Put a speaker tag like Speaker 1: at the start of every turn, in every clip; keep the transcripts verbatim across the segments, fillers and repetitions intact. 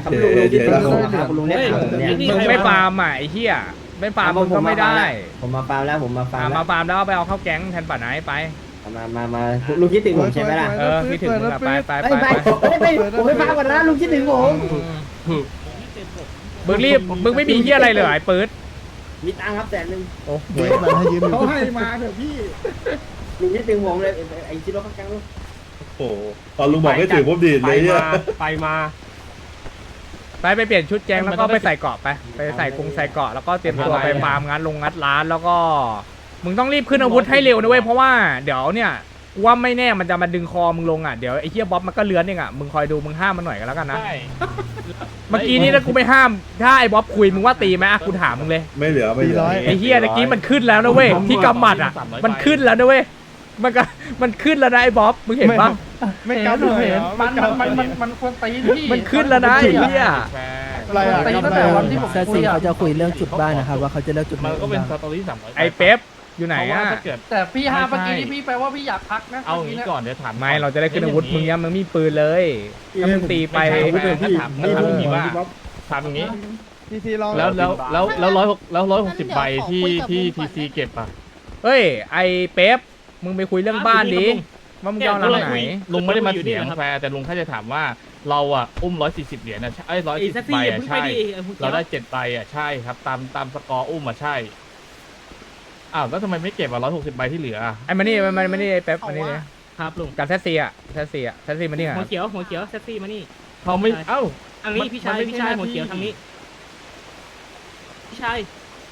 Speaker 1: ครับลุงลุงคิดถึงผมครับลุงเนี่ยผมเนี่ย
Speaker 2: มึงไม่ฟาร์มอ่ะไอ้เหี้ยไม่ฟาร์มมึงก็ไม่ได้
Speaker 1: ผมมาฟาร์มแล้วผมมาฟาร์ม
Speaker 2: มาฟาร์มแล้วไปเอาเข้าแก๊งแทนป่าไหนไป
Speaker 1: มามามาลุงคิดถึงผมใช่ไหมล่ะ
Speaker 2: เออคิดถึงมึงอะไปไปไป
Speaker 1: ไปไปผมไม่ฟาร์มก่อนนะลุงคิดถึงผม
Speaker 2: มึงรีบมึงไม่มีเหี้ยอะไรเลยไอ้ปื๊ด
Speaker 1: มีตังค์ครับแสนหนึ่ง
Speaker 2: โอ้โห
Speaker 3: เขาให้มาเถอะพี่
Speaker 1: ลุงคิดถึงผมเลยไอ้ชิโร่ข้างกลางลุง
Speaker 4: โอ้โหตอนลุงบอกไม่ถือผมดีดเลยเนี่ย
Speaker 5: ไปมา
Speaker 2: ไปไปเปลี่ยนชุดแก๊งแล้วก็ไปใส่เกราะไปไปใส่กรุงใส่เกราะแล้วก็เตรียมตัวไปฟาร์มงัดลงงัดร้านแล้วก็มึงต้องรีบขึ้นอาวุธให้เร็วนะเว้ยเพราะว่าเดี๋ยวเนี่ยว่าไม่แน่มันจะมาดึงคอมึงลงอ่ะเดี๋ยวไอ้เหี้ยบ๊อบมันก็เลื้อนเองอ่ะมึงคอยดูมึงห้ามมันหน่อยกันแล้วกันนะ
Speaker 5: ใช่
Speaker 2: เมื่อกี้นี้ถ้ากูไม่ห้ามถ้าไอ้บ๊อบคุยมึงว่าตีไหมอ่ะกูถามมึงเลย
Speaker 4: ไม่เหลือไม่เหลือ
Speaker 2: ไอ้เหี้ยตะกี้มันขึ้นแล้วนะเว้ยที่กำหมัดอ่ะมันขึ้นแล้วนะเว้ยมันก็มันขึ้นแล้วนะไอ้บ๊อบมึงเห็นปะ
Speaker 3: ไม่กล้าดูเห็นมันมันมันมันควรตีพี่
Speaker 2: มันขึ้นแล้วนะไอ้เหี้ย
Speaker 3: อะไรอ่ะตีตั้งแต่วันที่ผม
Speaker 6: แซซีเขาจะคุยเรื่องจุดบ้านนะครับว่าเขาจะเลือกจุดไหน
Speaker 5: มันก็เป็นส
Speaker 6: บ้าง
Speaker 5: ตอรี่สามร้อย
Speaker 2: ไอ้เป๊ปอยู่ไหน
Speaker 5: เพราะว่า
Speaker 2: อ่ะ
Speaker 5: ถ้าเกิด
Speaker 3: แต่พี่ฮาเมื่อกี้ที่พี่แปลว่าพี่อยากพักนะ
Speaker 5: เอาอย่างนี้ก่อนเดี๋ยวถาม
Speaker 2: ไม่เราจะได้ขึ้นอาวุธมึงยังมึงมีปืนเลยถ้ามึงตีไป
Speaker 5: ไม่ใช่ถ้าถามถ้าถามอย่างนี้ว่าถามอย่างนี้
Speaker 3: ทีซีลอง
Speaker 5: แล้วแล้วแล้วแล้วร้อยแล้วร้อยหกสิบใบที่ที่ทีซีเก็บอ่ะ
Speaker 2: เฮ้ยไอ้เป๊ปมึงไปคุยเรื่องบ้านดิว่ามึงจะเอาหลังไหน
Speaker 5: ลุงไม่ได้มาเถียงแฟร์แต่ลุงแค่จะถามว่าเราอ่ะอุ้มร้อยสี่สิบเหรียญนะไอ้ร้อยสี่สิบใบอ่ะใช่เราได้เจ็ดใบอ่ะใช่ครับตามตามสกอร์อุ้มอ่ะใช่อ้าวแล้วทำไมไม่เก็บอ่ะร้อยหกสิบใบที่เหลือ
Speaker 2: ไอ้มานี่มันมันนี่ไอ้เป๊ปมานี่เลย
Speaker 7: ครับลุง
Speaker 2: กับแท็กซี่อ่ะแท็กซี่อ่ะแท็กซี่มานี่
Speaker 7: หัว
Speaker 2: อ่ะ
Speaker 7: เขียวหัวเขียวแท็กซี่มานี่
Speaker 5: เขาไม่เอ้า
Speaker 7: ทางนี้
Speaker 5: มัน
Speaker 7: พี่ชาย
Speaker 5: มันไม่
Speaker 7: พี่ชาย
Speaker 5: ใช่หน้า
Speaker 7: หัวเขียว
Speaker 5: ที่
Speaker 7: ทางนี้พี่ชาย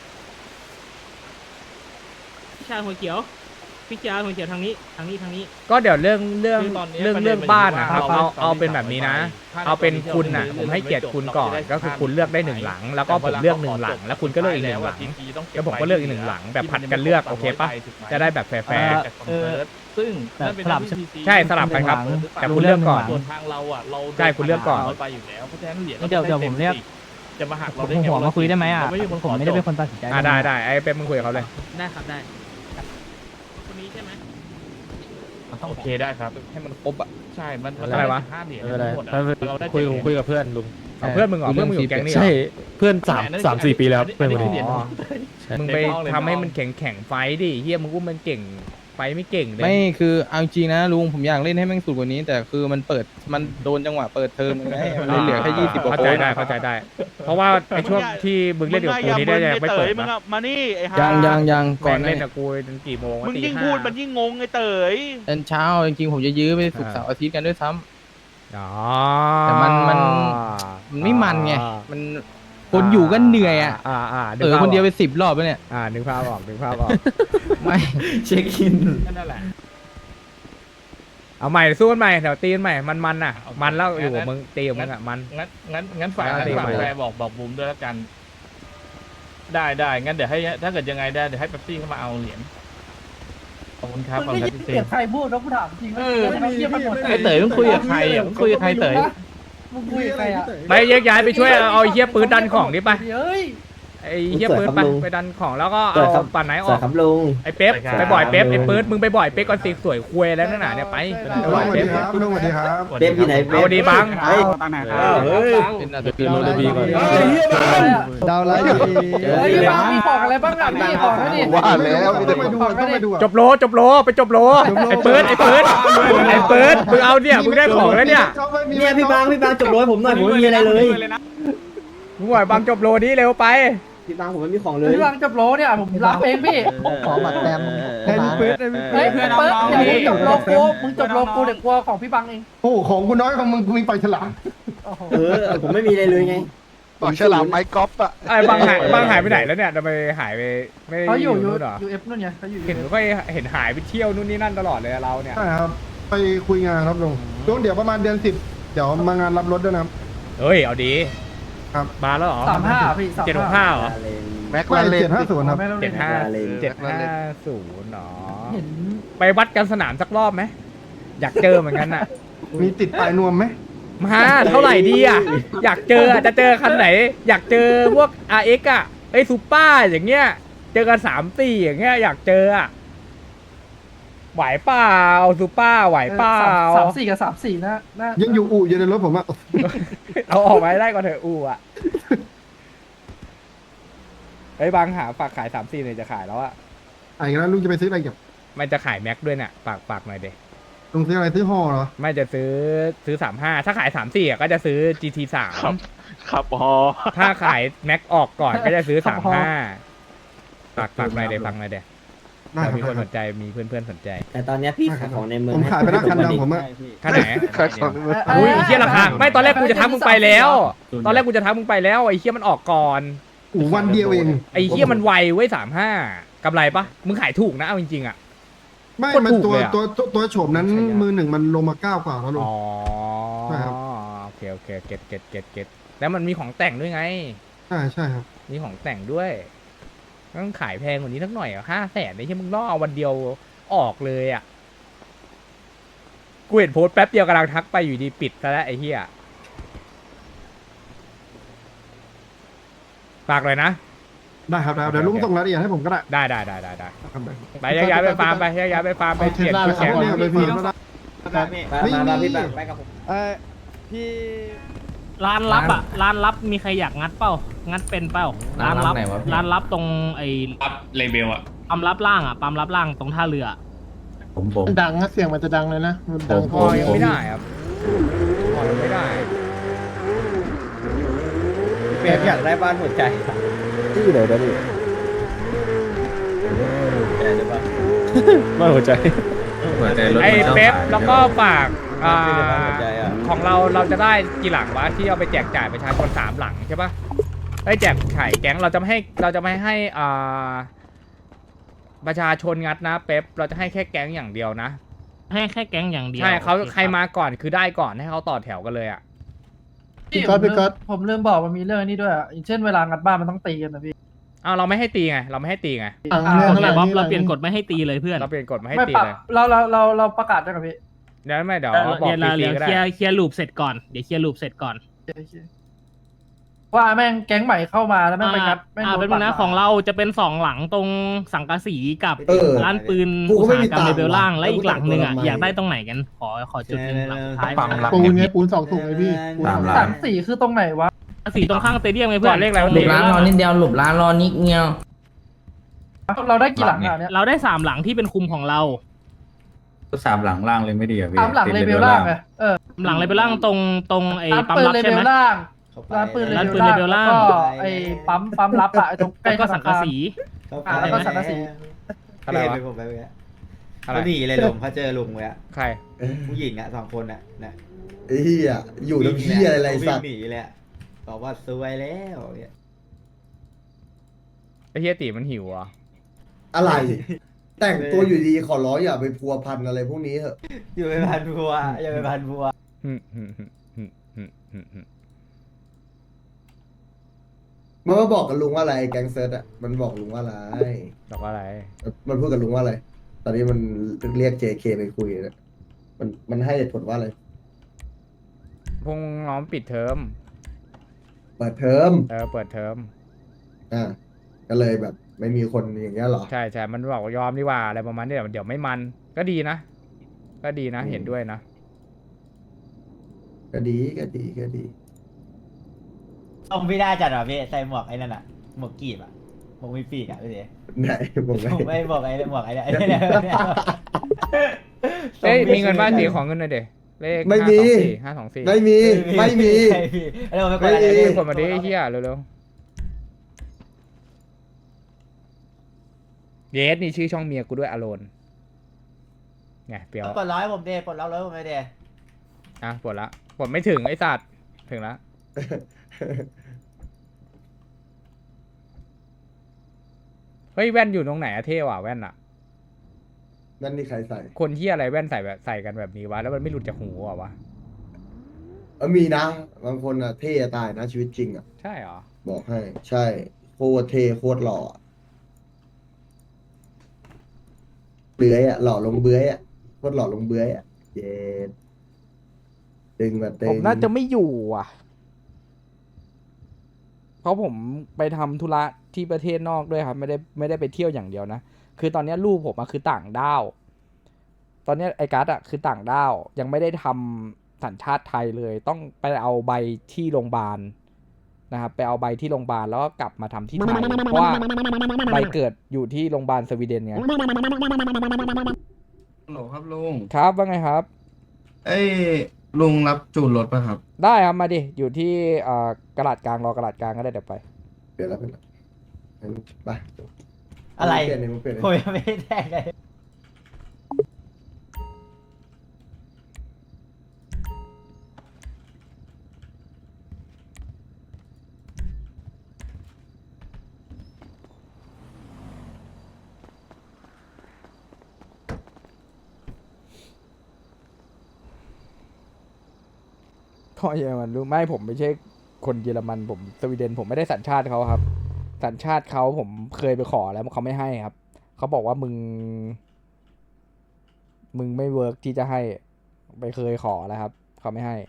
Speaker 7: พี่ชายหัวเขียวพี่ชายหัวเขียวทางนี้ทางนี้ทางนี้
Speaker 2: ก็เดี๋ยวเรื่องเรื่อง
Speaker 5: คือตอนนี้
Speaker 2: เรื่อง
Speaker 5: ประเด็น
Speaker 2: เรื่อง
Speaker 5: มัน
Speaker 2: บ้าน
Speaker 5: อยู่
Speaker 2: นะ
Speaker 5: ที่
Speaker 2: ครับ
Speaker 5: ว่า
Speaker 2: เอา
Speaker 5: เรา
Speaker 2: เอาเป็นแบบนี้นะ
Speaker 5: ถ้า
Speaker 2: เอาเป็น
Speaker 5: เรา
Speaker 2: คุณน่ะ
Speaker 5: เรื่
Speaker 2: ผ
Speaker 5: อง
Speaker 2: มให้เกียรติคุณก่อน
Speaker 5: เราจะได้
Speaker 2: ก็คือคุณเลือกได้หนึ่งหลัง แล้วก็ผมเลือกหนึ่งหลัง แล้วคุณก็เลือกอีกหนึ่งหลัง แล้วผมก็เลือกอีกหนึ่งหลังแบบผัดกันเลือกโอเคปะจะได้แบบแฟร์
Speaker 5: เออซึ่งนั่นเป็นหน้าที่ ที ซี
Speaker 2: ใช่สลับกันครับ แต่คุณเลือกก่อน
Speaker 5: ส่วนทางเราอ่ะเรา
Speaker 2: ใช่คุณเลือกก่อน
Speaker 5: ไปอยู่แล้วเพราะฉะนั้นเหรียญ
Speaker 6: เดี๋ยวเดี๋ยวผมเรียก
Speaker 5: จะมาหัก
Speaker 6: ผ
Speaker 5: เรา
Speaker 6: ม
Speaker 5: ได้ไง
Speaker 6: หัวมาคุยได้ไหมอ่ะ
Speaker 5: เราไม่ใช่คน
Speaker 6: ผมไม่ได้เป็นคนตัดสินใจ
Speaker 2: อ่ะได้ได้ไอ้เป๊ปมึงคุยกับเขาเลย
Speaker 7: ได้ครับได้คนนี้ใช่ไหม
Speaker 5: โอเคได้ครับ
Speaker 2: ให้มันครบอ่ะ
Speaker 5: ใช่มัน
Speaker 2: อะไรวะ
Speaker 5: ห้าเหรียญ
Speaker 8: ไม่เป็นไร
Speaker 5: ทั้งหมดอะ
Speaker 8: ถ้า
Speaker 5: เราได้
Speaker 8: คุย
Speaker 5: เจ็ดเหรีญ
Speaker 8: คุยกับเพื่อนลุง
Speaker 2: เอาเพื่อนมึงเหรอเพื่อนมึงอยู่แก๊งนี่เหรอ
Speaker 8: ใช่เพื่อนสามสามสี่ปีแล้วครับเพื่อนคน
Speaker 5: อั
Speaker 8: นี้
Speaker 5: เหรียญ
Speaker 2: อ๋อ มึงไปทำให้มันแข็งแข็งไฟดิเฮียมึงอุ้มมันเก่งไฟไม่เก่งเลย
Speaker 9: ไม่คือเอาจริงนะลุงผมอยากเล่นให้แม่งสุดกว่านี้ แต่คือมันเปิดมันโดนจังหวะเปิดเทอมไงมันเลยเหลือแค่ยี่สิบกว่า
Speaker 2: เข้า
Speaker 9: ค
Speaker 2: ใจ
Speaker 9: น
Speaker 2: ได้เข้าใจได้ เพราะว่าในช่วงที่มึงเล่นกับกูนี่ได้ยังไม่เปิดนะ
Speaker 10: มานี่ไอ้ฮา
Speaker 9: ยังยังยังก่
Speaker 2: ก่
Speaker 9: อ
Speaker 2: อน น
Speaker 9: ห
Speaker 2: เล่
Speaker 9: น้าน
Speaker 2: กับกูจนกี่โมงวะ
Speaker 10: มึง
Speaker 2: ตี
Speaker 10: ยิ่ง
Speaker 2: ห้า
Speaker 10: พูดมันยิ่งงงไอ้เต๋ย
Speaker 9: ตอนเช้าจริงๆผมจะยื้อไปศุกร์เสาร์อาทิตย์กันด้วยซ้ำ
Speaker 2: อ๋อ
Speaker 9: แต่มันมัน มันไม่มันไงมันคนอยู่ก็เหนื่อยอ่ะ
Speaker 2: อ่าอ่า
Speaker 9: เออคนเดียวไปสิบรอบแล้วเนี่ย
Speaker 2: อ่านึกภาพออกนึกภาพออก
Speaker 9: ไม่
Speaker 1: เช็คอิน
Speaker 5: นั่นแหละ
Speaker 2: เอาใหม่สู้กันใหม่เดี๋ยวตีกันใหม่มันมันน่ะ มันแล้วอยู่กับมึงตีกับมึงอ่ะมัน
Speaker 5: งั้นงั้นงั้นฝาก
Speaker 2: เอา
Speaker 5: งั้น
Speaker 2: ดิ
Speaker 5: ฝาก
Speaker 2: ไป
Speaker 5: แฟร์บอกบอกบูมด้วยแล้วกัน ได้ได้งั้นเดี๋ยวให้ถ้าเกิดยังไงได้เดี๋ยวให้เป๊ปซี่เข้ามาเอาเหรียญขอบคุณครับขอบคุณครับพี่เซ
Speaker 3: เกลียดใครพูดแล้วกูถามจริง
Speaker 5: เออ
Speaker 3: ไม่เกี่ยวกันหมด
Speaker 5: ไอ้เต๋ยมึงคุยกับใครอ่ะมึงคุยกับใครเต๋ย
Speaker 3: มึงคุยกับใครอ่ะ
Speaker 2: ไปแยกย้ายไปช่วยเอาไอ้เหี้ยปืนดันของดิไป
Speaker 3: เฮ้ย
Speaker 2: ไอ้เหี้ยปืนไปไปดันของแล้วก็เอาปั่นไหนอ
Speaker 1: สวั
Speaker 2: อ
Speaker 1: ส
Speaker 2: ก
Speaker 1: ดีครับลุง
Speaker 2: ไอ้เป๊ปไปบ่อยเป๊ปไอ้ปืนมึงไปบ่อยเป๊ปก่อนสิสวยคุยแล้วนั่นน่ะเนี่ยไป
Speaker 3: สวัสดีครับลุงสวัสดีครับ
Speaker 1: เป๊ปอยู่ไหนเป๊ป
Speaker 2: เอาดีบัง
Speaker 1: เฮ้ย
Speaker 4: เฮ้ย
Speaker 9: เป็นอาจจะ
Speaker 8: คือโรลบีก่อน
Speaker 3: ดาวไลท์เฮ้ยบ้างมีของอะไรบ้างอ่ะพี่ของนั่นดิ
Speaker 8: ว่าแล้วมีแต่
Speaker 3: ไปดูต้องไปดู
Speaker 2: จบโลจบโลไปจบโลไอ้ปืนไอ้ปืนไอ้ปืนมึงเอาเนี่ยมึงได้ของแล้วเนี่ย
Speaker 1: เนี่ยพี่บางพี่บางจบโรยผมหน่อยผมไม่มีอะไรเลย
Speaker 2: มึงหน่อยบังจบโลนี้เร็วไป
Speaker 1: พี่บางผมไม่มีของเลย
Speaker 3: พี่บางจบโลเนี่ยผมรับเองพี่
Speaker 6: ขอบัตรแต้ม
Speaker 3: ไอ้พี่ปื๊ดไอ้พี่ปื๊ดอย่ามึงจบโลกูมึงจบโลกูเดี๋ยวกลัวของพี่บังเอง
Speaker 8: โอ้ของกูน้อยของมึงกูมีปลาฉลาม
Speaker 1: เออผมไม่มีอะไรเลยไง
Speaker 8: ปลาฉลามไม้กอล์ฟอ่ะ
Speaker 2: ไอ้บังหายบังหายไปไหนแล้วเนี่ยทำไมหายไปไม่
Speaker 3: เขาอยู่ยู
Speaker 2: นู่นเหรอ
Speaker 3: ยูเอฟนู่นไงเขาอยู่
Speaker 2: เห็นค่อยเห็นหายไปเที่ยวนู่นนี่นั่นตลอดเลยเราเนี่ย
Speaker 8: ใช่ครับไปคุยงานครับลุงลุงเดี๋ยวประมาณเดือนสิบเดี๋ยวมางานรับรถด้วยนะครับ
Speaker 2: เฮ้ยเอาดี
Speaker 8: ครับ
Speaker 2: มาแล้วเหรอ
Speaker 3: สามห้าพี่สาม
Speaker 2: เจ็ดหกห้าเหรอ
Speaker 8: แม็กไม่เจ็ดห้าศูนย์ครับ
Speaker 2: เจ็ดห้าเจ็ดห้าศูนย์เนาะ
Speaker 3: เห็น
Speaker 2: ไปวัดกันสนามสักรอบไหมอยากเจอเหมือนกันน่ะ
Speaker 8: มีติดปลายนวมไหม
Speaker 2: มาเท่าไหร่ดีอ่ะอยากเจออ่ะจะเจอคันไหน อยากเจอพวก อาร์ เอ็กซ์ อ่ะไอ้ซูเปอร์อย่างเงี้ยเจอกันสามสี่อย่างเงี้ยอยากเจออ่ะไหวเปล่าซูเปอร์ไหวเปล่า
Speaker 3: สามสี่กับสามสี่นะนะ
Speaker 8: ยังอยู่อู่อยู่ในรถผมอะ
Speaker 2: เอาออกมาให้ได้ก่อนเถอะอูอ่ะเฮ้ยบางหาฝากขายสามสี่เนี่ยจะขายแล้วอะ
Speaker 8: ไอ้แล้วลุงจะไปซื้ออะไรกับ
Speaker 2: มันจะขายแม็กด้วยเนี่ยฝากฝากหน่อยเด็
Speaker 8: ลุงซื้ออะไรซื้อห่อเหรอ
Speaker 2: ไม่จะซื้อซื้อสามห้าถ้าขายสามสี่อ่ะก็จะซื้อ จี ที สาม
Speaker 10: ครับอ๋อ
Speaker 2: ถ้าขายแม็กออกก่อนก็จะซื้อสามห้าฝากฝากหน่อยเด็ฟังหน่อยเด็
Speaker 8: ได้ครับ
Speaker 2: มีคน
Speaker 8: ได้
Speaker 2: สนใจมีเพื่อนเพื่อนๆสนใจ
Speaker 1: แต่ตอนเนี้ยพี่ขายของในเมือง
Speaker 8: ผมขายไปแล้วคันดำผมอะ
Speaker 2: ค่าไหน
Speaker 8: ขายของ
Speaker 2: อุ้ยไอ้เฮียราคาไม่ตอนแรกกูจะทักมึงไปแล้ว ตอนแรกกูจะทักมึงไปแล้วไอ้เฮียมันออกก่อน
Speaker 8: อู่วันเดียวเอง
Speaker 2: ไอ้เฮียมันไวเว้ยสามห้ากำไรปะมึงขายถูกนะเอาจริงๆอ่ะ
Speaker 8: ไม่
Speaker 2: โคตร
Speaker 8: มัน
Speaker 2: ถูก
Speaker 8: ตัว
Speaker 2: เลยอะ
Speaker 8: ตัวตัวตัวโฉมนั้นมือหนึ่งมันลงมาเก้ากว่าแล้วลุง
Speaker 2: อ๋อ
Speaker 8: ใช่ครับ
Speaker 2: โอเคโอเคเก็ตเก็ตเก็ตเก็ตแล้วมันมีของแต่งด้วยไง
Speaker 8: ใช่ใช่ครับ
Speaker 2: มีของแต่งด้วยต้องขายแพงกว่านี้สักหน่อยอ่ะห้าแสนนี่ใช่มึงล่อเอาวันเดียวออกเลยอ่ะกูเห็นโพสต์แป๊บเดียวกำลังทักไปอยู่ดีปิดซะแล้วไอ้เหี้ยฝากเลยนะ
Speaker 8: ได้ครับได้ครับเดี๋ยวลุงส่งรายละเอียดให้ผมก็ได้
Speaker 2: ได้ได้ได้ได้ได้
Speaker 8: ครับ
Speaker 2: ไปย้ายๆไปฟาร์มไปย้ายๆไปฟาร์มไปเปลี่ยนชุดแข่ง
Speaker 8: เนี่ยไปพี่แล้วนะ
Speaker 1: มามามาพี่แบงค์ไปกับผม
Speaker 6: เออพี่
Speaker 7: ร้านลับอ่ะร้านลับมีใครอยากงัดเป้างัดเป็นเป้าร้านลับร้านลับตรงไอ้
Speaker 10: รับเลเบลอะ
Speaker 7: ปั๊มลับล่างอ่ะปั๊มลับล่างตรงท่าเรือ
Speaker 4: ผมผม
Speaker 8: ดังนะเสียงมันจะดังเลยนะมันดัง
Speaker 2: พอยังไม่ได้ครับพอยังไม่ได้
Speaker 1: เปียกอยากได้บ้านหัวใจ
Speaker 6: ที่ไหนนะพี่
Speaker 1: แต่หรือเปล่า
Speaker 6: ไม่หัวใจ
Speaker 2: ไอ้เป๊ปแล้วก็ฝากอ่า
Speaker 1: ไม่ได้บ้านหัวใจอ่ะ
Speaker 2: ของเราเราจะได้กี่หลังวะที่เอาไปแจกจ่ายประชาชนสามหลังใช่ปะไอ้แจกไข่แก๊งเราจะไม่ให้เราจะไม่ให้อ่าประชาชนงัดนะเป๊ปเราจะให้แค่แก๊งอย่างเดียวนะ
Speaker 7: ให้แค่แก๊งอย่างเดียว
Speaker 2: ใช่เขา
Speaker 7: โอ
Speaker 2: ใครมาก่อนคือได้ก่อนให้เขาต่อแถวกันเลยอ่ะ
Speaker 3: พี่ผมลืมผมลืมบอกมันมีเรื่องนี้ด้วยอ่ะอย่างเช่นเวลางัดบ้านมันต้องตีกันนะพี่
Speaker 2: อ้าวเราไม่ให้ตีไงเราไม่ให้ตีไง
Speaker 3: อ่า
Speaker 7: โอเคบ๊อบเราเปลี่ยนกฎไม่ให้ตีเลยเพื่อน
Speaker 2: เราเปลี่ยนกฎมาให้
Speaker 3: ไม่
Speaker 2: ตี
Speaker 3: ปรับ
Speaker 2: เลย
Speaker 3: เราเราเราเราประกาศได้กับพี่
Speaker 2: เดี๋ยวไม่เดี๋ยว
Speaker 7: เดี๋ยว
Speaker 2: บอก
Speaker 7: เดี๋ยว
Speaker 2: ตี
Speaker 7: เดี๋ยว
Speaker 2: ก็ได้
Speaker 7: เคลียร์เคลียร์ลูปเสร็จก่อนเดี๋ยวเคลียร์ลูปเสร็จก่อน
Speaker 3: ว่าแม่งแก๊งใหม่เข้ามาแล้วแม่งไปงัดแม่ง
Speaker 7: อ่า
Speaker 3: โด
Speaker 7: เป็น
Speaker 3: ปัด
Speaker 7: นะ
Speaker 3: มา
Speaker 7: ของเราจะเป็นสองหลังตรงสังกะสีกับ
Speaker 1: เออ
Speaker 7: ร้านปืน
Speaker 1: กู
Speaker 7: อุ
Speaker 1: ก็
Speaker 7: ต
Speaker 1: ไม่
Speaker 7: สาหกรรม
Speaker 1: มีตังค์
Speaker 7: เลเวลล่างและ
Speaker 1: แล้ว
Speaker 7: อีกหลังหนึ่งอ่ะ
Speaker 1: กูจะกด
Speaker 7: อยากได้ตรงไหนกัน ขอขอจุดหนึ่งหลังสุดท้าย
Speaker 1: ปั๊มหลัง
Speaker 8: ปูนไงปูนสองถุงไงพี่ปูน
Speaker 1: ตาม
Speaker 3: สามสี่คือตรงไหนวะ
Speaker 7: สีตรงข้างสเตเดียมไงเพื่
Speaker 2: ก่
Speaker 7: อ
Speaker 2: อน นเลขอะไรวะ
Speaker 7: หลุมร้านรอนิดเดียว
Speaker 3: เราได้กี่หลังอ่ะเนี่ย
Speaker 7: เราได้สามหลังที่เป็นคุมของเรา
Speaker 4: สามหลังล่างเลยไม่ดีอ่ะพี่
Speaker 3: ตามหลังเลเวลล่างไงเออ
Speaker 7: หลังเลเวลล่างตรงตรงไอ้
Speaker 3: ร้าน
Speaker 7: ปั๊ม
Speaker 3: ปืน
Speaker 7: รับ
Speaker 3: เล
Speaker 7: ใช่
Speaker 3: เว
Speaker 7: ไหม
Speaker 3: ลล่าง
Speaker 1: เข้าไป
Speaker 3: ร้านปืน
Speaker 7: ร้านปืน
Speaker 3: เล
Speaker 7: เล
Speaker 3: เว
Speaker 7: เว
Speaker 3: ล
Speaker 7: ล
Speaker 3: ล่า
Speaker 7: ล่าง
Speaker 3: งแล้วก็ไอ้ปั๊มปั๊มรับอะไอ้ตรงใกล้
Speaker 7: แล้วก็สังกะสี
Speaker 1: เข้าไป
Speaker 3: อ่าแล้วก็สังกะสี
Speaker 2: อะไรวะ
Speaker 1: เปผมไปเมื่อกี้
Speaker 2: อะไร
Speaker 1: เขาหนีเลยลุงเขาเจอลุงเว้ย
Speaker 2: ใคร
Speaker 1: ผู้หญิงอ่ะสองคนอ่ะนะ
Speaker 11: ไอ้เหี้ยอยู่น้ำเหี้ยอะไร
Speaker 1: วิ่
Speaker 11: สั
Speaker 1: ง
Speaker 11: ตว์
Speaker 1: หนีเลยอะบอกว่าซวยแล้วเนี่ย
Speaker 2: ไอ้เฮียตีมันหิวอ่ะ
Speaker 11: อะไร แต่งตัวอยู่ดีขอร้องอย่าไปพัวพันอะไรพวกนี้เถอะ
Speaker 1: อยู่ไปพันบัวอย่าไปพันบัว
Speaker 2: อืมอืมอืมอืมอืมอืมอืม
Speaker 11: มันมาบอกกับลุงว่าอะไรแก๊งเซิร์ตอ่ะมันบอกลุงว่าอะไร
Speaker 2: บอกว่าอะไร
Speaker 11: มันพูดกับลุงว่าอะไร ตอนนี้มันเรียก เจ เค ไปคุยนะมันมันให้เหตุผลว่าอะไร
Speaker 2: พงน้องปิดเทอม
Speaker 11: เปิดเทอม
Speaker 2: เออเปิดเทอม
Speaker 11: อ่าก็เลยแบบไม่มีคนอย่างเงี้ยเหรอ
Speaker 2: ใช่ใช่มันบอกว่ายอมดีกว่าอะไรประมาณนี้เดี๋ยวเดี๋ยวไม่มันก็ดีนะก็ดีนะ
Speaker 11: อืม
Speaker 2: เห็นด้วยนะ
Speaker 11: ก็ดีก็ดีก็ดี
Speaker 1: ต้องไม่ได้จัดหรอพี่ใส่หมวกไอ้นั่นอ่ะหมวกกีบอ่ะหมวกมีปีกอ่ะพี่เด๋
Speaker 11: ไหนผมไง
Speaker 1: ผมไม่บอกไอ้หมวกไอ้เนี่ยไอ้เนี่ยไอ้เนี่ย
Speaker 2: เอ้ยมีเงินบ้านสีของเงินหน่อยเด็เลข
Speaker 11: ไม่มี
Speaker 2: ห้าสองสี่
Speaker 11: ไม่มีไม่มี
Speaker 1: ใช่พี่แล้วผมไม่กดอะไร
Speaker 11: ไม่มี
Speaker 1: พี่
Speaker 2: เป็นคนมาดิไอ้เฮียเร็วๆเยสนี่ชื่อช่องเมียกูด้วยอโลนไงเปียว
Speaker 1: กดร้อยผมเดย์กดร้อยร้อยผมไม่เดย์
Speaker 2: อ่ะปวดละปวดไม่ถึงไอ้สัตว์ถึงละเฮ้ยแว่นอยู่ตรงไหนอะเท่ว่ะแว่นอะ
Speaker 11: นั่นนี่ใครใส่
Speaker 2: คนที่อะไรแว่นใส่แบบใส่กันแบบนี้วะแล้วมันไม่หลุดจากหูอะวะ
Speaker 11: เออมีนะบางคนอ่ะเท่ตายนะชีวิตจริงอ่ะ
Speaker 2: ใช่เหรอ
Speaker 11: บอกให้ ใช่โคตรเท่โคตรหล่ออะเบื้อยอ่ะหล่อลงเบื้อยอ่ะโคตรหล่อลงเบื้อยอ่ะเย็ดดึงแบบตึง
Speaker 2: ผมน่าจะไม่อยู่อ่ะ เพราะผมไปทำธุระที่ประเทศนอกด้วยครับ ไม่ได้ไม่ได้ไปเที่ยวอย่างเดียวนะ คือตอนนี้ลูกผมอะคือต่างด้าวตอนเนี้ยไอ้การ์ดอะคือต่างด้าวยังไม่ได้ทำสัญชาติไทยเลย ต้องไปเอาใบที่โรงพยาบาลนะครับไปเอาใบที่โรงพยาบาลแล้วก็กลับมาทำที่ไทยเพราะว่าใบเกิดอยู่ที่โรงพยาบาลสวีเดนไง
Speaker 9: ฮัลโหลครับลุง
Speaker 2: ครับว่าไงครับ
Speaker 9: เอ้ยลุงรับจูนรถป่ะครับ
Speaker 2: ได้ครับมาดิอยู่ที่เอ่อกระดาษกลางรอกระดาษกลางก็ได้เดี๋ยวไป
Speaker 11: เปลี่ยนแล้วเปลี่ยนแล้วงั้นไป
Speaker 1: อะไร
Speaker 11: เปลี่ยนเลยมึงเปลี่ยนเลย
Speaker 1: ผมยังไม่ได้แทงเลย
Speaker 2: ก็เยอรมันรู้ไม่ผมไม่ใช่คนเยอรมันผมสวีเดนผมไม่ได้สัญชาติเขาครับ สัญชาติเขาผมเคยไปขอแล้วเขาไม่ให้ครับเขาบอกว่ามึง มึงไม่เวิร์กที่จะให้ไปเคยขอแล้วครับเขาไม่ให้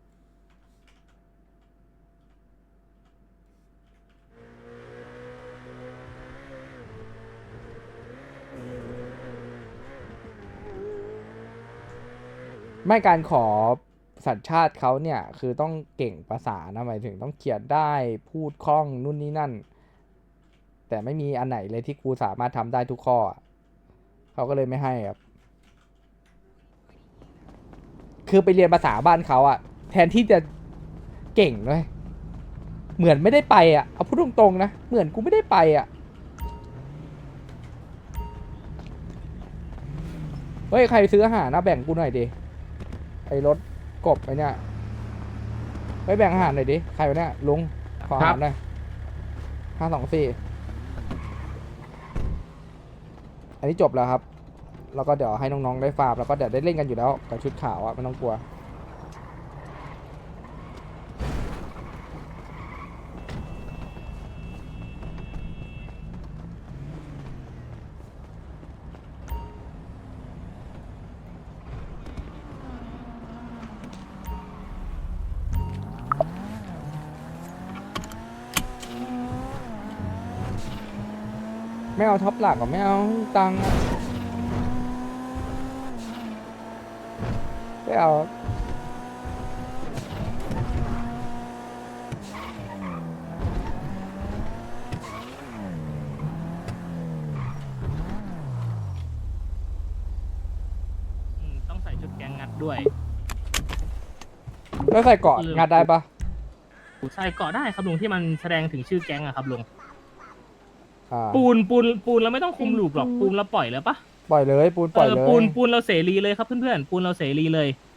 Speaker 2: ไม่การขอสัญชาติเขาเนี่ยคือต้องเก่งภาษานะหมายถึงต้องเขียนได้พูดคล่องนู่นนี่นั่น แต่ไม่มีอันไหนเลยที่กูสามารถทำได้ทุกข้อเขาก็เลยไม่ให้ครับคือไปเรียนภาษาบ้านเขาอะแทนที่จะเก่งเลยเหมือนไม่ได้ไปอะเอาพูดตรงๆนะเหมือนกูไม่ได้ไปอะเฮ้ยใครซื้ออาหารนะแบ่งกูหน่อยดิไอ้รถกบไอ้เนี่ยไปแบ่งอาหารหน่อยดิใครวะเนี่ยลุงขออาหารหน่อยห้าสองสี่อันนี้จบแล้วครับแล้วก็เดี๋ยวให้น้องๆได้ฟาร์มแล้วก็เดี๋ยวได้เล่นกันอยู่แล้วกับชุดขาวอะไม่ต้องกลัวไม่เอาท็อปหลักหรอไม่เอาตังค์อะไม่เอา
Speaker 7: อืมต้องใส่ชุดแก๊งงัดด้วย
Speaker 2: แล้วใส่เกาะงัดได้ปะ
Speaker 7: ใส่เกาะได้ครับลุงที่มันแสดงถึงชื่อแก๊งอะครับลุง
Speaker 2: อ่า
Speaker 7: ปูนปูนปูนเราไม่ต้องคุมลูปหรอกปูนเราปล่อยเลยปะ
Speaker 2: ปล่อยเลยปูนปล่อย
Speaker 7: เอ
Speaker 2: เล
Speaker 7: อย ปูนปูนเราเสรีเลยครับเพื่อนๆปูนเราเสรีเลย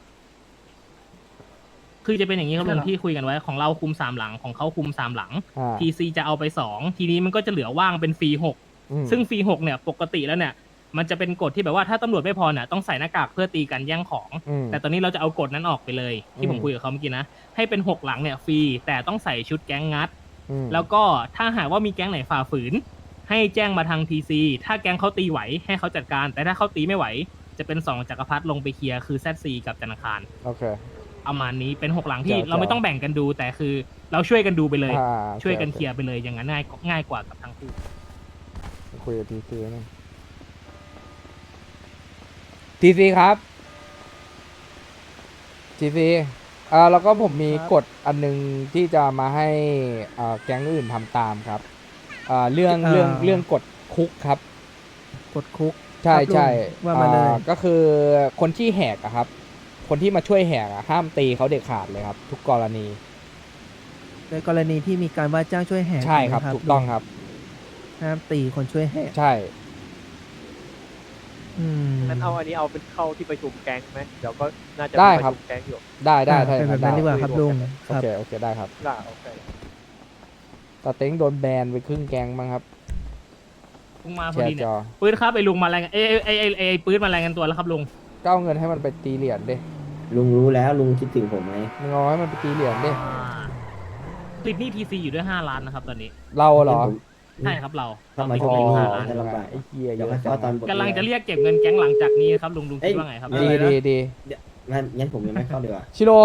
Speaker 7: คือจะเป็นอย่างนี้ครับลุงที่คุยกันไว้ของเราคุมสามหลังของเขาคุมสามหลัง
Speaker 2: อ่า
Speaker 7: ทีซีจะเอาไปสองทีนี้มันก็จะเหลือว่างเป็นฟรีหก
Speaker 2: อืม
Speaker 7: ซึ่งฟรีหกเนี่ยปกติแล้วเนี่ย มันจะเป็นกฎที่แบบว่าถ้าตำรวจไม่พอเนี่ยต้องใส่หน้ากากเพื่อตีกันแย่งของ
Speaker 2: อืม
Speaker 7: แต่ตอนนี้เราจะเอากฎนั้นออกไปเลย ที่ผม
Speaker 2: อืม
Speaker 7: คุยกับเขาเมื่อกี้นะให้เป็นหกหลังเนี่ยฟรีแต่ต้องใส่ชุดแก๊งงัด
Speaker 2: อืม
Speaker 7: แล้วก็ถ้าหากว่ามีแก๊งไหนฝ่าฝืน ให้แจ้งมาทางทีซีถ้าแก๊งเขาตีไหวให้เขาจัดการ แต่ถ้าเขาตีไม่ไหว จะเป็นสองจักรพรรดิลงไปเคลียร์คือแซดซีกับจันทร์อังคาร
Speaker 2: โอเค
Speaker 7: ประมาณนี้เป็นหกหลังที่
Speaker 2: เจ๋วๆ
Speaker 7: เราไม่ต้องแบ่งกันดู แต่คือเราช่วยกันดูไปเลย
Speaker 2: อ่า
Speaker 7: ช่วยกัน
Speaker 2: โอ
Speaker 7: เคลียร์ไปเลยอย่างนั้นง่ายง่ายกว่ากับทั้งคู่
Speaker 2: คุยกับทีซีนึงทีซีครับทีซีอ่าแล้วก็ผมมีกฎอันนึงที่จะมาให้อ่าแก๊งอื่นทำตามครับอ่าเรื่องเรื่องเรื่องกฎคุกครับ
Speaker 3: กดคุก
Speaker 2: ใช่ใช่
Speaker 3: ว่ามาเลย
Speaker 2: อ่ก็คือคนที่แหกอะครับ คนที่มาช่วยแหกอะห้ามตีเขาเด็ดขาดเลยครับ ทุกกรณี
Speaker 3: ในกรณีที่มีการว่าจ้างช่วยแหก
Speaker 2: ใช่ครับ
Speaker 3: นะ
Speaker 2: ถูกต้องครับ
Speaker 3: ห้ามตีคนช่วยแหก
Speaker 2: ใช่
Speaker 3: อืม
Speaker 6: นั้นเอาอันนี้เอาเป็นเข้าที่ประชุมแก๊งไหมเดี๋ยวก็น่าจะ
Speaker 2: ได้
Speaker 6: มี
Speaker 2: ครับ
Speaker 6: ประชุมแก๊งอยู่
Speaker 2: ได้ได้
Speaker 3: อ่า
Speaker 2: ถ้าอ
Speaker 3: เป็น
Speaker 2: ย่าง
Speaker 3: แบบ
Speaker 2: นั้น
Speaker 3: นั้นดีก
Speaker 2: ได้
Speaker 3: ว่าครับลุง
Speaker 2: โอ
Speaker 3: ครับ
Speaker 2: เคโอเคได้ครับ
Speaker 6: ได้โอเค
Speaker 2: ตาเต็งโดนแบนไปครึ่งแกงบ้างครับ
Speaker 7: ลุงมาพ
Speaker 2: แช
Speaker 7: อดี
Speaker 2: ร์
Speaker 7: เนี่
Speaker 2: จ
Speaker 7: ย
Speaker 2: อ
Speaker 7: ปืนครับไอ้ลุงมารายงานเอ้ยเอ้ยเอ้ยเอ้ยไอ้ปืนมารายงานตัวแล้วครับลุง
Speaker 2: ก็เอาเงินให้มันไปตีเหรียญดิ
Speaker 11: ลุงรู้แล้วลุงคิดถึงผมไหม
Speaker 2: มึงเอาให้มันไปตีเหรียญดิ
Speaker 7: ติดหนี้ทีซีอยู่ด้วยห้าล้านนะครับตอนนี้
Speaker 2: เราเหรอ
Speaker 7: ใช่ครับเรา
Speaker 11: ถ้ามา
Speaker 7: ติด
Speaker 11: ช่ว
Speaker 7: ห
Speaker 11: ง
Speaker 7: นี้
Speaker 11: นี้
Speaker 7: ห้าล้าน
Speaker 11: จะลำบาก
Speaker 2: ไอ้เหี้ยเย
Speaker 11: เดี๋ยว
Speaker 2: อะ
Speaker 11: มา
Speaker 2: จั
Speaker 11: เข้าง ตอนบท
Speaker 7: กำลังจะเรียกเก็บเงินแก๊งหลังจากนี้ครับลุงลุงคิดว่าไงครับ
Speaker 2: ดีดีดี
Speaker 11: งั้นงั้นผมยังไม่เข้าดีกว่า
Speaker 2: ชิโร่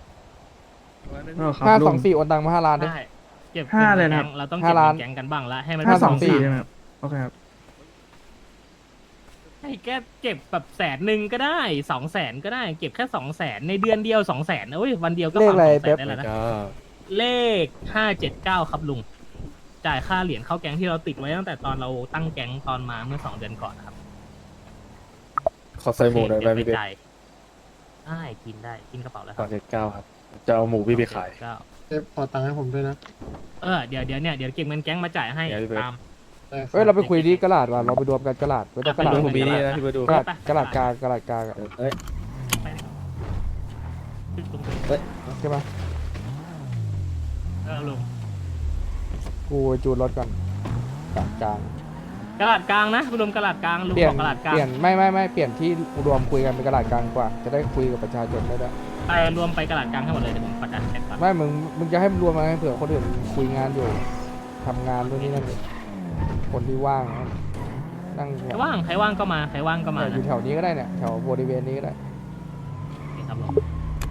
Speaker 2: ห้าสองสี่โอนตังมาห้าล้านดิ
Speaker 7: ได้เก็บ
Speaker 3: ห้าเลยนะ
Speaker 7: แก๊งเราต้องเก็บ
Speaker 2: ห้าล้าน
Speaker 7: เงินแก๊งกันบ้างละให้มัน
Speaker 2: ห้าสองสี่
Speaker 7: เป็น
Speaker 3: โอเคครับ
Speaker 7: ให้แกเก็บแบบแสนหนึ่งก็ได้สองแสนก็ได้เก็บแค่สองแสนในเดือนเดียวสองแสนโอ้ยวันเดียวก็
Speaker 9: เลข
Speaker 7: ฟัง
Speaker 9: อะไร
Speaker 7: สองแส
Speaker 9: เป๊ป
Speaker 7: นได้แล้วนะเลขห้าเจ็ดเก้าครับลุงจ่ายค่าเหรียญเข้าแก๊งที่เราติดไว้ตั้งแต่ตอนเราตั้งแก๊งตอนมาเมื่อสองเดือนก่อนนะครับ
Speaker 9: ขอใส่หมูหน่อยไหมพี่เป๊ป
Speaker 7: จ่ายได้กินได้กินกระเป๋าแล้วค
Speaker 9: สอ
Speaker 7: รั
Speaker 9: ง
Speaker 7: บ
Speaker 9: เจ็ดเก้าครับจะเอาหมูพี่ไปขาย
Speaker 7: เก้า
Speaker 8: เอฟขอตังค์ให้ผมด้วยนะ
Speaker 7: เออเดี๋ยวเดี๋ยวเนี่ยเดี๋ยวเก็บเงินแก๊งมาจ่ายให้
Speaker 9: เดี๋ยวพี่เป๊ป
Speaker 7: ตาม
Speaker 3: เฮ้ยเราไปคุยที่กระดาษว่ะเราไปรวมกันกระดาษไม่ต้องกระดาษ
Speaker 7: ผมมีนี่นะ
Speaker 9: ที่ไปดู
Speaker 3: กระดาษกระดาษกลางกระดาษกลางอะ
Speaker 11: เอ้ย
Speaker 7: ไปเลยตรงไป
Speaker 11: เอ้ย
Speaker 3: ใช่ปะ
Speaker 7: เออลุง
Speaker 3: กูจูนรถก่อนกระดาษกลาง
Speaker 7: กระดาษกลางนะรวมกระดาษกลางลุง
Speaker 3: เปลี่ย
Speaker 7: บ
Speaker 3: น
Speaker 7: อกกระดาษกลาง
Speaker 3: เปลี่ยนไม่ไม่ไม่เปลี่ยนที่รวมคุยกันเป็นกระดาษกลางกว่า จะได้คุยกับประชาชนได้ด้วย
Speaker 7: ไปรวมไปกระดาษกลางให้หมดเลยเดี๋ยวผมประกาศแท็กก่อน
Speaker 3: ไม่มึงมึงจะให้มันรวมมาให้เผื่อคนอื่นคุยงานอยู่ทำงานด้วยนี่นั่นคนที่ว่างนั่ง
Speaker 7: ใครว่างใครว่างก็มาใครว่างก็มา
Speaker 3: เนี่ยอ
Speaker 7: นะ
Speaker 3: ยู่แถวนี้ก็ได้เนี่ยแถวบริเวณนี้ก็ได้
Speaker 7: นี่ครับลุง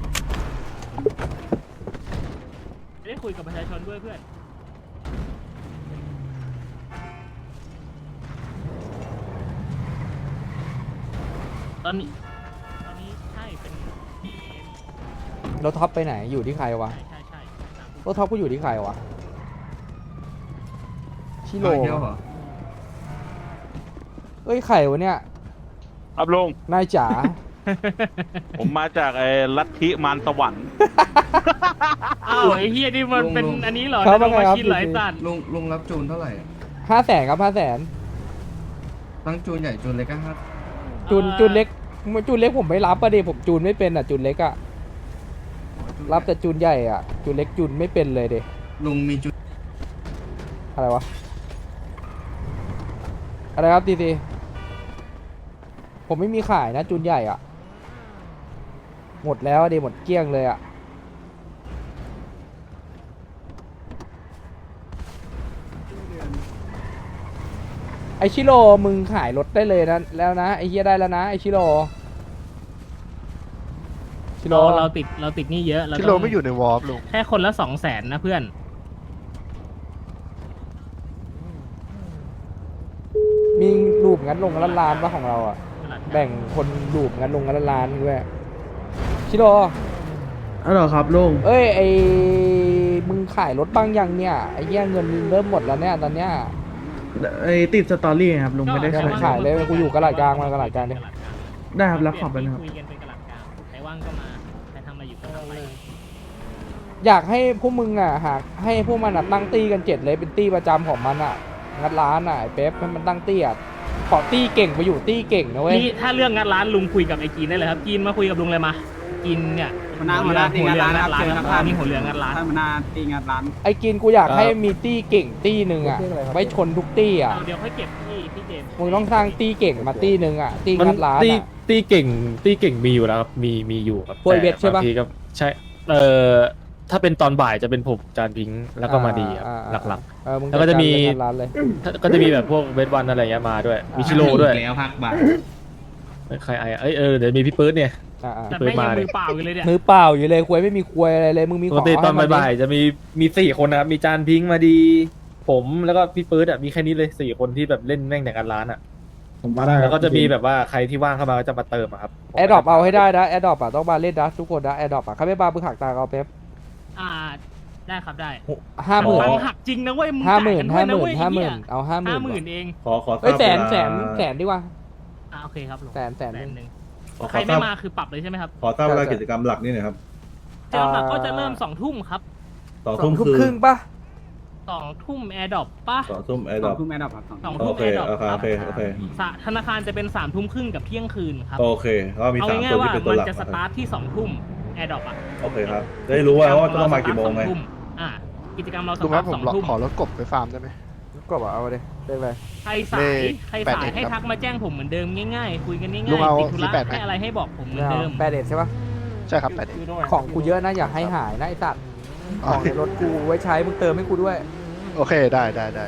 Speaker 7: จะได้คุยกับประชาชนด้วยเพื่อนตอนนี้ตอนนี้ใช่เป็น
Speaker 3: รถท็อปไปไหนอยู่ที่ใครวะ
Speaker 7: ใช่ใช่ใช่
Speaker 3: รถท็อปก็อยู่ที่ใครวะชิโร่เอ้ยใครวะเนี่ย
Speaker 10: ครับลุง
Speaker 3: นายจ๋า
Speaker 10: ผมมาจากไอ้ลัทธิมารสวรรค์
Speaker 7: อ้าวไอ้เฮียนี่มันเป็นอันนี้เหรอ
Speaker 3: ครับ
Speaker 7: ในโรง
Speaker 3: ว่าไง
Speaker 7: มา
Speaker 3: ครับ
Speaker 7: ชินเหรอไอ้สัตว์
Speaker 9: ลุงลุงรับจูนเท่าไหร่
Speaker 3: ห้าแสนครับห้าแสน
Speaker 9: ทั้งจูนใหญ่จูนเล็กก็ห้า
Speaker 3: จูนจูนเล็กจูนเล็กผมไม่รับประเดี๋ยวผมจูนไม่เป็นอ่ะจูนเล็กอ่ะรับแต่จูนใหญ่อ่ะจูนเล็กจูนไม่เป็นเลยเด็
Speaker 9: ลุงมีจูน
Speaker 3: อะไรวะอะไรครับดีดีผมไม่มีขายนะจูนใหญ่อ่ะหมดแล้วอะดิหมดเกลี้ยงเลยอ่ะไอชิโร่มึงขายรถได้เลยนะแล้วนะไอเฮียได้แล้วนะไอชิโร่ชิโร่
Speaker 7: เราเราติดเราติดหนี่เยอะเรา
Speaker 8: ที่
Speaker 7: ต้
Speaker 8: โล
Speaker 7: อง
Speaker 8: ไม่อยู่ในวอร์ปลุง
Speaker 7: แค่คนละสองแสนนะเพื่อน
Speaker 3: มีรูปงั้นลงกันละล้านปะของเราอ่ะแบ่งคนรูปงั้นลงกันละล้านด้วยชิโร่
Speaker 9: อ๋อเหรอครับลุง
Speaker 3: เอ้ยไอมึงขายรถบ้างยังเนี่ยไอเหี้ยเงินเริ่มหมดแล้วเนี่ยตอนเนี้ย
Speaker 9: ไอติดสตอรี่ครับลุงไม่ได้
Speaker 3: ก็ขายเลยกูอยู่กระดาษกลางมากระดาษกลางดิ
Speaker 9: ได้ครับรับของไปนะครับ
Speaker 7: คุยกันเป็นกระดาษกลางใครว่างก็มาใครทำอะไรอยู่ก็ทำไป
Speaker 3: อยากให้พวกมึงอ่ะหากให้พวกมันอ่ะตั้งตี้กันเจ็ดเลยเป็นตี้ประจำของมันอ่ะงัดร้านอ่ะไอ้เป๊ปให้มันตั้งตี้อ่ะขอตี้เก่งไปอยู่ตี้เก่งนะเว้ย
Speaker 7: นี่ถ้าเรื่องงานร้านลุงคุยกับไอ้กีนได้เลยครับกีนมาคุยกับลุงเลยมากินเนี่ย
Speaker 6: หัวหน้าหัวหน้าตีงานร้านครับ
Speaker 7: หัว
Speaker 6: เชิญ
Speaker 7: เรือ
Speaker 6: ครับ
Speaker 7: นี่หัวเรืองานร้าน
Speaker 6: ท่านหัวหน้าตีงานร้าน
Speaker 3: ไอ้กินกูอยากให้มีตี้เก่งตี้หนึ่งอ่ะไว้ชนทุกตี้อ่ะ
Speaker 7: เอาเดี๋ยวค่อยเก็บที่พี่เจมส์
Speaker 3: มึงต้องสร้างตี้เก่งมาตี้หนึ่งอ่ะตี้งัดร้าน
Speaker 12: ตี
Speaker 3: อ่ะ
Speaker 12: ตีเก่งตีเก่งมีอยู่แล้วครับมีมีอยู่ครับ
Speaker 3: พวกไอ้เวทใช่ปะ
Speaker 12: แต่บางทีก็ใช่เอ่อถ้าเป็นตอนบ่ายจะเป็นผมจานพิงค์แล้วก็มาดีครับ
Speaker 3: อ่า
Speaker 12: หลัก
Speaker 3: เออมึง
Speaker 12: แล้วก็จะมี
Speaker 3: จัดการเรื่องงัดร้านเลย
Speaker 12: ๆถ้าก็จะมีแบบพวกเวทวันอะไรเงี้ยมาด้วยมีชิโร่ด้วย
Speaker 10: แล้วพักบ่าย
Speaker 12: ใครไอ้เอ้ยเออเดี๋ยวมีพี่ปื๊ดเนี่ย
Speaker 3: อ่าอ่า
Speaker 7: แต่แม่งยังมือเปล่าอยู่เลยเนี่ย
Speaker 3: มือเปล่าอยู่เลยควยไม่มีควยอะไรเลยมึงมี
Speaker 12: ป
Speaker 3: ข
Speaker 12: ก
Speaker 3: อง
Speaker 12: ติตอน
Speaker 3: ให้มันดิ
Speaker 12: บ่ายๆจะมีมีสี่คนนะครับมีจานพิงค์มาดี ผมแล้วก็พี่ปื๊ดอ่ะมีแค่นี้เลยสี่คนที่แบบเล่นแม่งแต่การร้านอ่ะ
Speaker 4: ผมมาได้
Speaker 12: แล้วก็จะมีแบบว่าใครที่ว่างเข้ามาก็จะมาเติมอะครับ
Speaker 3: แอร์ดรอปเอาให้ได้นะแอร์ดรอปอะต้องมาเล่นนะทุกคนนะแอร์ดรอปอะใครไม่มามึงหักตาเอาเป๊ป
Speaker 7: อ่าได้ครับได้
Speaker 3: ห้าหมื่น
Speaker 7: ตังค์หักจริงนะเว้ยมึง
Speaker 3: ห้า
Speaker 7: จ่าย
Speaker 3: หมื่
Speaker 7: กัน น
Speaker 3: ห้า
Speaker 7: ด้วย
Speaker 3: ห
Speaker 7: นะ
Speaker 3: มื่น
Speaker 7: เว้ย
Speaker 3: ห้าหมื่นเอาห้าหมื่
Speaker 7: ห้าน หมื่นเอง
Speaker 10: ขอขอทราบ
Speaker 3: เอ้ยแสน
Speaker 10: เวลา
Speaker 3: แสนแสนดีกว่า
Speaker 7: อ่าโอเคครับลุง
Speaker 3: แสนแสนหนึ่ง
Speaker 7: หนึ่ง
Speaker 10: ขอ
Speaker 7: ใครไม่มาคือปรับเลยใช่ไหมครับ
Speaker 10: ขอทราบเวลากิจกรรมหลักนี่หน่อยครับ
Speaker 7: เจอหลักก็จะเริ่มสองทุ่มครับ
Speaker 10: สอง
Speaker 3: สอ
Speaker 10: ทุ่
Speaker 3: ง
Speaker 10: ม
Speaker 3: ทุ่ม
Speaker 10: คือ
Speaker 3: ครึ่งปะ
Speaker 7: สองทุ่มแอร์ดรอปป่ะ
Speaker 10: สองทุ่มไอ้ดอก
Speaker 6: ทุ่มแม่ดับครับ
Speaker 7: สอง
Speaker 10: โอ
Speaker 7: ทุ่ม
Speaker 10: เค
Speaker 7: แอร์ดรอป
Speaker 10: โอเค
Speaker 7: ครั
Speaker 10: โอเคโอเค
Speaker 7: สะธนาคารจะเป็นสามทุ่มครึ่งกับเที่ยงคืนครับ
Speaker 10: โอเคก็มี
Speaker 7: เอา
Speaker 10: สาม
Speaker 7: ง่า
Speaker 10: ตั
Speaker 7: ยว ๆว่า
Speaker 10: ที่เป็นตัว
Speaker 7: มัน
Speaker 10: หลัก
Speaker 7: จะส
Speaker 10: นะค
Speaker 7: ตา
Speaker 10: รับ
Speaker 7: ร์ทที่สองทุ่มแอร์ดรอปอ่ะ
Speaker 10: โอเคครับจะได้รู้ว่าว่าต้องมากี่โมงไง
Speaker 7: สตาร์ทสอทุ่อ่ากิจกรรมเราส
Speaker 8: ลุงค
Speaker 7: ตา
Speaker 8: รั
Speaker 7: ร์
Speaker 8: บ
Speaker 7: ท
Speaker 8: ผ
Speaker 7: ส
Speaker 8: ม
Speaker 7: องทุ่ม
Speaker 8: ขอรถกบไปฟาร์มได้ไหม
Speaker 3: ก็บอกเอาไปดิเล่นไป
Speaker 7: ใครสาย
Speaker 8: เลข
Speaker 7: ใคร
Speaker 8: แปด
Speaker 7: สา
Speaker 8: เอ็
Speaker 7: ย
Speaker 8: ด
Speaker 7: ให้
Speaker 8: ครับ
Speaker 7: ทักมาแจ้งผมเหมือนเดิมง่ายๆ คุยกันง่าย
Speaker 8: ลุงเอา
Speaker 7: ๆติดธุระ
Speaker 8: สี่แปดไหม
Speaker 7: ให้อะไรให้บอกผมเหมื
Speaker 3: ไม่
Speaker 7: อน
Speaker 3: เอา
Speaker 7: เดิม
Speaker 3: แปดเด็ดใช่ปะ
Speaker 8: ใช่ครับแปดเอ็ด
Speaker 3: ของกูเยอะนะอย่าให้หายนะไอสัตว์ของในรถกูไว้ใช้มึงเติมให้กูด้วย
Speaker 8: โอเคได้ได้ได้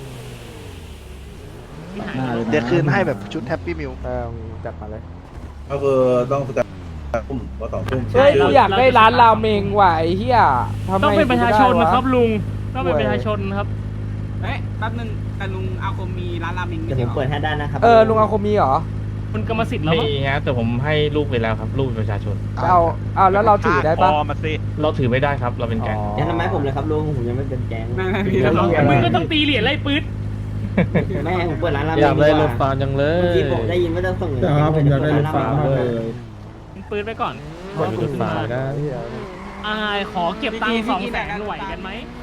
Speaker 7: ที่หายไป
Speaker 11: หน้าเลย
Speaker 8: เดี๋ยวคืนให้แบบชุดแฮปปี้มิล
Speaker 3: เออจัดมาเลย
Speaker 10: ก็คือต้องสแตนทุ่มว่าสองทุ่ม
Speaker 3: เฮ้ยกูอยากได้ร้านราเมงว่ะไอ้เหี้ยทำไม
Speaker 7: ต้องเป็นประชาชน
Speaker 3: กูไม่ได้ว
Speaker 7: นะครับลุงต้องเป็นประชาชนครับ
Speaker 6: เอ๊ะแป๊บนึงแต่ลุงอาคมมีร้านราเมง
Speaker 11: เดี๋ยวผมเปิดให้ได้นะครับ
Speaker 3: เออลุงเอาคมมีเหรอ
Speaker 7: คุณกรรมสิทธิ์แล้วมั้ง
Speaker 5: มีฮะแต่ผมให้ลูกไปแล้วครับลูกเป็นประชาชน
Speaker 3: เอาเอาแล้วเราถือได้ปะ
Speaker 10: พอมาสิ
Speaker 5: เราถือไม่ได้ครับเราเป็นแก๊ง
Speaker 11: ยังทำไมผมเลยครับลุงผมยังไม่เป็นแก๊ง
Speaker 6: ไม่ไม่พี่เรา
Speaker 7: มึงก็ต้องตีเหรียญไล่ปื๊ด
Speaker 11: แม่ผมเปิดร้านราเมง
Speaker 9: อยากได้รถ
Speaker 11: ดีก
Speaker 9: ฟา
Speaker 11: ว่า
Speaker 9: ร์มจังเล
Speaker 11: เมื่อย กี้ผมได้ยินว่าจะส่งเงิน
Speaker 8: ครับผมอยากได้รถฟาร์มมากเลย
Speaker 7: ปื๊ดไปก่อน
Speaker 9: ขอรถฟาร์มนะ
Speaker 7: อ่าขอเก็บตังค์สองแสนไหวกันไหม